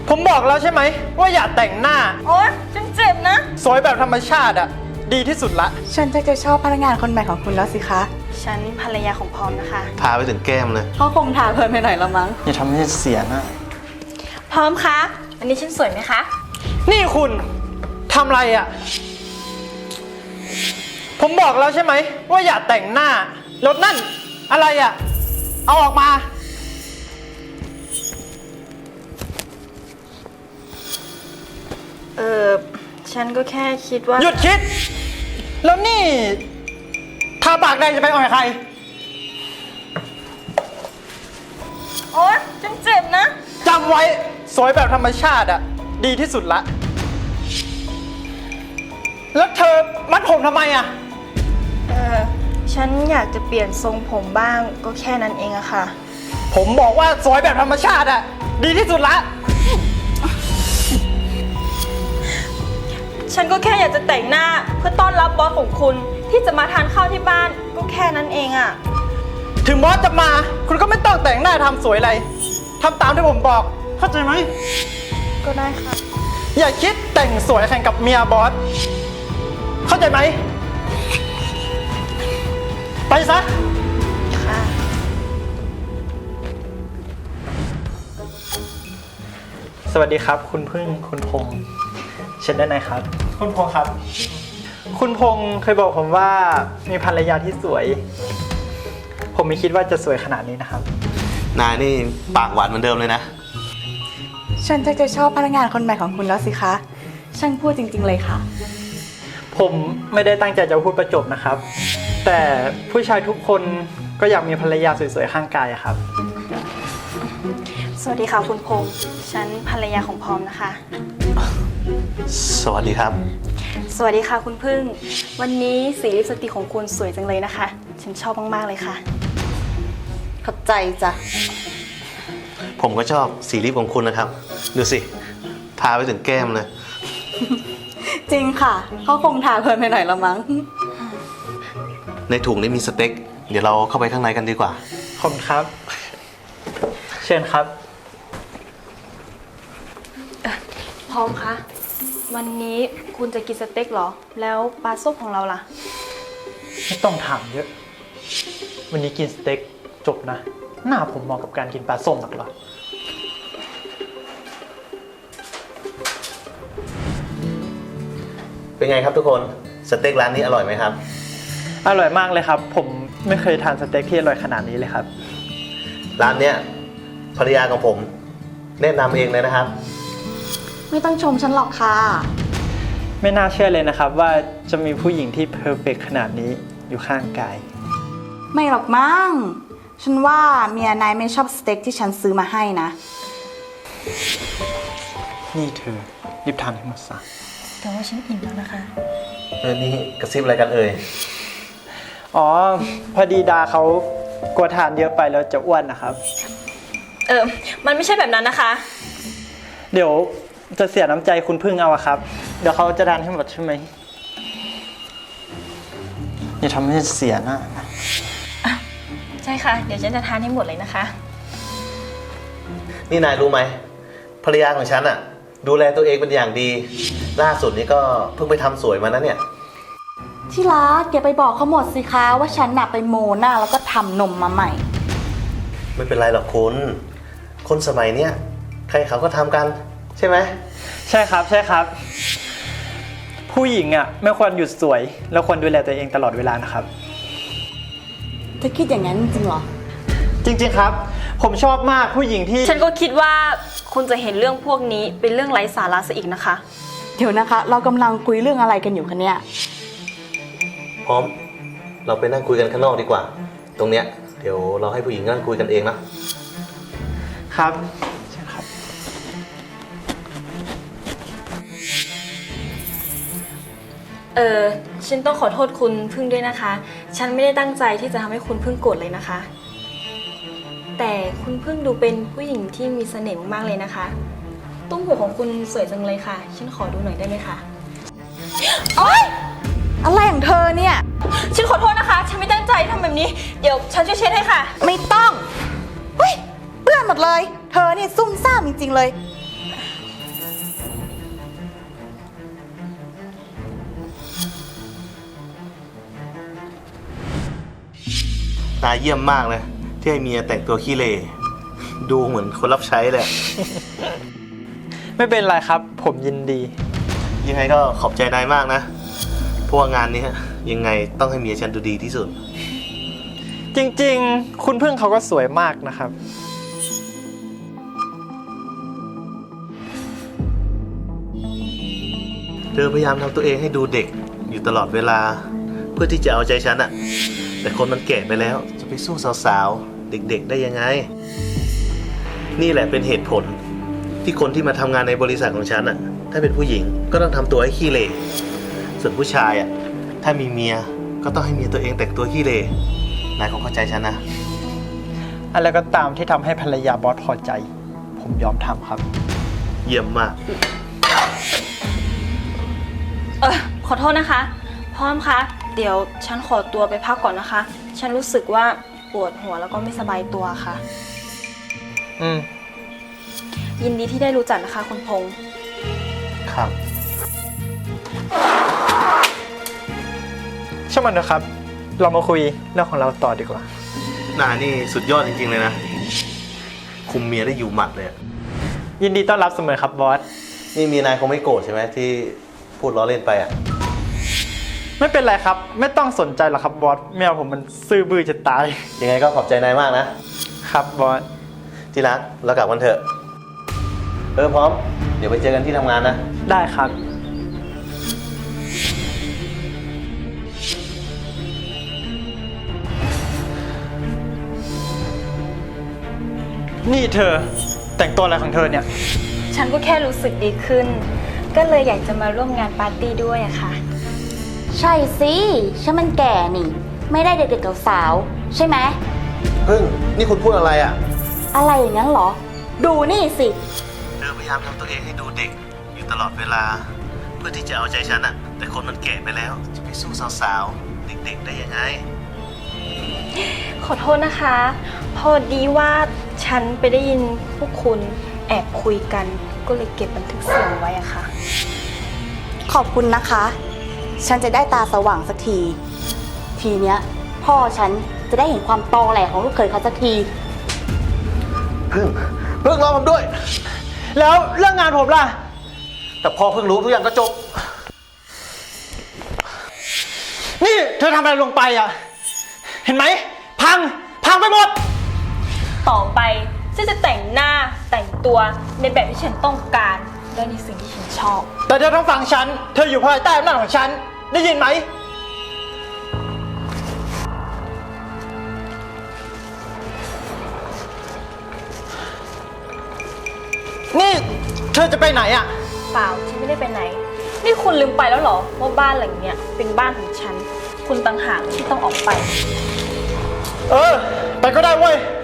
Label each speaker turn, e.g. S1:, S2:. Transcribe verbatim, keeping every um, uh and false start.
S1: ผมบอกแล้วใช่ไหมว่าอย่าแต่งหน้า
S2: โอ๊ยฉันเจ็บนะ
S1: สวยแบบธรรมชาติอะดีที่สุดละ
S3: ฉันจะจะชอบพนักงานคนใหม่ของคุณแล้วสิคะ
S2: ฉันภรรยาของพร้อมนะคะ
S4: ทาไปถึงแก้มเลย
S3: เขาคงทาเพลินไปหน่อยละมั้ง
S1: อย่าทำให้เสียนะ
S2: พร้อมคะอันนี้ฉันสวยไหมคะ
S1: นี่คุณทำอะไรอะผมบอกแล้วใช่ไหมว่าอย่าแต่งหน้ารถนั่นอะไรอะเอาออกมา
S2: เออฉันก็แค่คิดว่า
S1: หยุดคิดแล้วนี่ทาปากแดงจะไปอ่อยใคร
S2: โอ๊ยฉันเจ็บนะ
S1: จำไว้สวยแบบธรรมชาติอะดีที่สุดละแล้วเธอมัดผมทำไมอะ
S2: เออฉันอยากจะเปลี่ยนทรงผมบ้างก็แค่นั้นเองอะค่ะ
S1: ผมบอกว่าสวยแบบธรรมชาติอะดีที่สุดละ
S2: ฉันก็แค่อยากจะแต่งหน้าเพื่อต้อนรับบอสของคุณที่จะมาทานข้าวที่บ้านก็แค่นั้นเองอะ
S1: ถึงบอสจะมาคุณก็ไม่ต้องแต่งหน้าทำสวยอะไรทำตามที่ผมบอกเข้าใจไหม
S2: ก็ได้ค่ะ
S1: อย่าคิดแต่งสวยแข่งกับเมียบอสเข้าใจไหมไปซะ
S2: ค่ะ
S1: สวัสดีครับคุณพึ่งคุณพงษ์เชิญได้ไหนครับคุณพงษ์ครับคุณพงษ์เคยบอกผมว่ามีภรรยาที่สวยผมไม่คิดว่าจะสวยขนาดนี้นะครับ
S4: นายนี่ปากหวานเหมือนเดิมเลยนะ
S3: ฉันจะจะชอบพนักงานคนใหม่ของคุณแล้วสิคะช่างพูดจริงๆเลยค่ะ
S1: ผมไม่ได้ตั้งใจจะพูดประจบนะครับแต่ผู้ชายทุกคนก็อยากมีภรรยาสวยๆข้างกายครับ
S2: สวัสดีค่ะคุณพงษ์ฉันภรรยาของพร้อมนะคะ
S4: สวัสดีครับ
S2: สวัสดีค่ะคุณพึ่งวันนี้สีลิปสติกของคุณสวยจังเลยนะคะฉันชอบมากๆเลยค่ะ
S3: ขอบใจจ้ะ
S4: ผมก็ชอบสีลิปของคุณนะครับดูสิทาไปถึงแก้มเลย
S3: จริงค่ะเขาคงทาเพลินไปหน่อยละมั้ง
S4: ในถุงนี้มีสเต็กเดี๋ยวเราเข้าไปข้างในกันดีกว่า
S1: ขอบคุณครับเชิญครับ
S2: พร้อมคะวันนี้คุณจะกินสเต็กเหรอแล้วปลาส้มของเราล่ะ
S1: ไม่ต้องถามเยอะวันนี้กินสเต็กจบนะหน้าผมเหมาะกับการกินปลาส้มหรอกเหรอ
S4: เป็นไงครับทุกคนสเต็กร้านนี้อร่อยไหมครับ
S1: อร่อยมากเลยครับผมไม่เคยทานสเต็กที่อร่อยขนาดนี้เลยครับ
S4: ร้านเนี้ยภรรยาของผมแนะนำเองเลยนะครับ
S3: ไม่ต้องชมฉันหรอกค่ะ
S1: ไม่น่าเชื่อเลยนะครับว่าจะมีผู้หญิงที่เพอร์เฟกต์ขนาดนี้อยู่ข้างกาย
S3: ไม่หรอกมั้งฉันว่าเมียนายไม่ชอบสเต็กที่ฉันซื้อมาให้นะ
S1: นี่เธอรีบทานให้หมดซะ
S2: แต่ว่าฉันอิ่มแล้วนะคะ
S4: เออนี่กระซิบอะไรกันเอ่ย
S1: อ๋อพอดีดาเขากลัวทานเยอะไปแล้วจะอ้วนนะครับ
S2: เออมันไม่ใช่แบบนั้นนะคะ
S1: เดี๋ยวจะเสียน้ำใจคุณพึ่งเอาครับเดี๋ยวเขาจะทานให้หมดใช่ไหมอย่าทำให้เสียหน้า
S2: ใช่ค่ะเดี๋ยวฉันจะทานให้หมดเลยนะคะ
S4: นี่นายรู้ไหมภรรยาของฉันอะดูแลตัวเองเป็นอย่างดีล่าสุดนี้ก็เพิ่งไปทำสวยมานะเนี่ย
S3: ที่รักแกไปบอกเขาหมดสิคะว่าฉันน่ะไปโมหน้าแล้วก็ทำนมมาใหม่
S4: ไม่เป็นไรหรอกคุณคนสมัยเนี้ยใครเขาก็ทำกันใช่ไหม
S1: ใช่ครับใช่ครับผู้หญิงอ่ะไม่ควรหยุดสวยแล้วควรดูแลตัวเองตลอดเวลานะครับ
S3: เธอคิดอย่างนั้นจริงเหรอ
S1: จริงๆครับผมชอบมากผู้หญิงที่
S2: ฉันก็คิดว่าคุณจะเห็นเรื่องพวกนี้เป็นเรื่องไร้สาระซะอีกนะคะ
S3: เดี๋ยวนะคะเรากำลังคุยเรื่องอะไรกันอยู่คะเนี่ย
S4: พร้อมเราไปนั่งคุยกันข้างนอกดีกว่าตรงเนี้ยเดี๋ยวเราให้ผู้หญิงนั่งคุยกันเองนะครับ
S1: ใช่ครับ
S2: เออฉันต้องขอโทษคุณพึ่งด้วยนะคะฉันไม่ได้ตั้งใจที่จะทำให้คุณพึ่งโกรธเลยนะคะแต่คุณพึ่งดูเป็นผู้หญิงที่มีเสน่ห์มากๆเลยนะคะตุ้มหูของคุณสวยจังเลยค่ะฉันขอดูหน่อยได้ไหมคะโอ๊ย
S3: อะไรของเธอเนี่ย
S2: ฉันขอโทษนะคะฉันไม่ตั้งใจทำแบบนี้เดี๋ยวฉันช่วยเช็ดให้ค่ะ
S3: ไม่ต้องเฮ้ยเปื้อนหมดเลยเธอนี่ซุ่มซ่ามจริงๆเลย
S4: นายเยี่ยมมากเลย ที่ให้เมียแต่งตัวขี้เหร่ดูเหมือนคนรับใช้เลย
S1: ไม่เป็นไรครับ ผมยินดี
S4: ยังไงก็ขอบใจนายมากนะเพราะว่างานนี้ยังไงต้องให้เมียฉันดูดีที่สุด
S1: จริงๆ คุณพึ่งเขาก็สวยมากนะครับ
S4: เธอพยายามทำตัวเองให้ดูเด็กอยู่ตลอดเวลา เพื่อที่จะเอาใจฉันอะแต่คนมันแก่ไปแล้วจะไปสู้สาวๆเด็กๆได้ยังไง นี่แหละเป็นเหตุผลที่คนที่มาทำงานในบริษัทของฉันอะถ้าเป็นผู้หญิงก็ต้องทำตัวให้ขี้เหร่ส่วนผู้ชายอะถ้ามีเมียก็ต้องให้เมียตัวเองแต่งตัวขี้เหร่นายคงเข้าใจฉันนะ
S1: อะไรก็ตามที่ทำให้ภรรยาบอสพอใจ ผมยอมทำครับ
S4: เยี่ยมมาก
S2: เออขอโทษนะคะ พร้อมคะ เดี๋ยวฉันขอตัวไปพักก่อนนะคะ ฉันรู้สึกว่าปวดหัวแล้วก็ไม่สบายตัวค่ะ
S1: อืม
S2: ยินดีที่ได้รู้จักนะคะคุณพงษ์
S4: ครับ
S1: ช่างมันนะครับ เรามาคุยเรื่องของเราต่อดีกว่า
S4: นายนี่สุดยอดจริงๆเลยนะ คุมเมียได้อยู่หมัดเลยอะ
S1: ยินดีต้อนรับเสมอครับบอส
S4: นี่เมียนายคงไม่โกรธใช่ไหมที่พูดล้อเล่นไปอ่ะ
S1: ไม่เป็นไรครับ ไม่ต้องสนใจหรอกครับบอสแมวผมมันซื่อบื้อจะตาย
S4: ยังไงก็ขอบใจนายมากนะ
S1: ครับบอส
S4: ที่รักเรากลับกันเถอะ เออพร้อม เดี๋ยวไปเจอกันที่ทำงานนะ
S1: ได้ครับ นี่เธอแต่งตัวอะไรของเธอเนี่ย
S2: ฉันก็แค่รู้สึกดีขึ้น ก็เลยอยากจะมาร่วมงานปาร์ตี้ด้วยอะค่ะ
S3: ใช่สิฉันมันแก่นี่ ไม่ได้เด็กๆกับสาวใช่ไหม
S4: พึ่ง นี่คุณพูดอะไรอ่ะ
S3: อะไรอย่างนั้นเหรอ ดูนี่สิ
S4: เธอพยายามทำตัวเองให้ดูเด็กอยู่ตลอดเวลา เพื่อที่จะเอาใจฉันอ่ะ แต่คนมันแก่ไปแล้ว จะไปสู้สาวๆเด็กๆได้ยังไง
S2: ขอโทษนะคะ พอดีว่าฉันไปได้ยินพวกคุณแอบคุยกัน ก็เลยเก็บบันทึกเสียงไว้อะค่ะ
S3: ขอบคุณนะคะ ฉันจะได้ตาสว่างสักที ทีเนี้ย พ่อฉันจะได้เห็นความตอแหลของลูกเขยเขาสักที
S4: พึ่ง พึ่งรอผมด้วย
S1: แล้วเรื่องงานผมล่ะ
S4: แต่พอเพิ่งรู้ทุกอย่างก็จบ
S1: นี่เธอทำอะไรลงไปอ่ะ เห็นไหม พัง พังไปหมด
S2: ต่อไปฉันจะแต่งหน้าแต่งตัวในแบบที่ฉันต้องการและในสิ่งที่ฉันชอบ
S1: แต่เธอต้องฟังฉัน เธออยู่ภายใต้อำนาจของฉัน ได้ยินไหม นี่เธอจะไปไหนอ่ะ
S2: เปล่าฉันไม่ได้ไปไหน นี่คุณลืมไปแล้วเหรอว่าบ้านหลังเนี้ยเป็นบ้านของฉัน คุณต่างหากที่ต้องออกไป
S1: เออ ไปก็ได้เว้ย